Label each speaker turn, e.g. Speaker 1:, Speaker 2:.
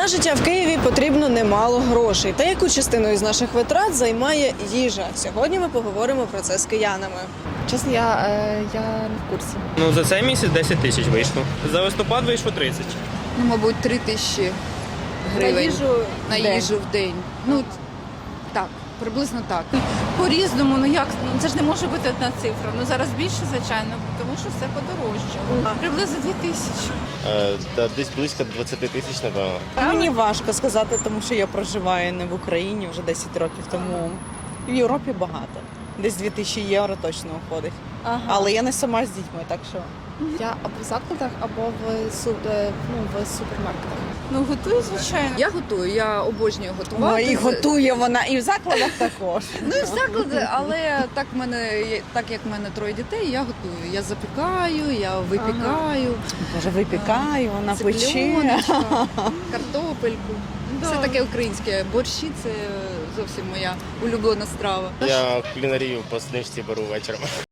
Speaker 1: На життя в Києві потрібно немало грошей. Та яку частину із наших витрат займає їжа? Сьогодні ми поговоримо про це з киянами.
Speaker 2: Чесно, я не в курсі.
Speaker 3: Ну, за цей місяць 10 тисяч вийшло. За листопад вийшло 30.
Speaker 2: Ну, мабуть, 3 тисячі гривень на їжу в день. Ну, так, приблизно так.
Speaker 4: По-різному, ну як, ну це ж не може бути одна цифра. Ну зараз більше, звичайно, тому що все подорожчало. Приблизно 2000.
Speaker 5: Десь близько 20 тисяч, напевно.
Speaker 6: Мені важко сказати, тому що я проживаю не в Україні вже 10 років, тому в Європі багато. Десь 2000 євро точно виходить. Але я не сама з дітьми, так що.
Speaker 2: Я або в закладах, або в супермаркетах.
Speaker 4: Ну готую, звичайно.
Speaker 2: Я готую, я обожнюю готувати.
Speaker 6: І готує вона, і в закладах також.
Speaker 2: Ну і в заклади, але так як в мене 3 дітей, я готую. Я запікаю, я випікаю.
Speaker 6: Може, випікаю, вона пече.
Speaker 2: Цыпленочка, картопельку. Все таке українське. Борщі – це зовсім моя улюблена страва.
Speaker 5: Я кулінарію по знижці беру вечором.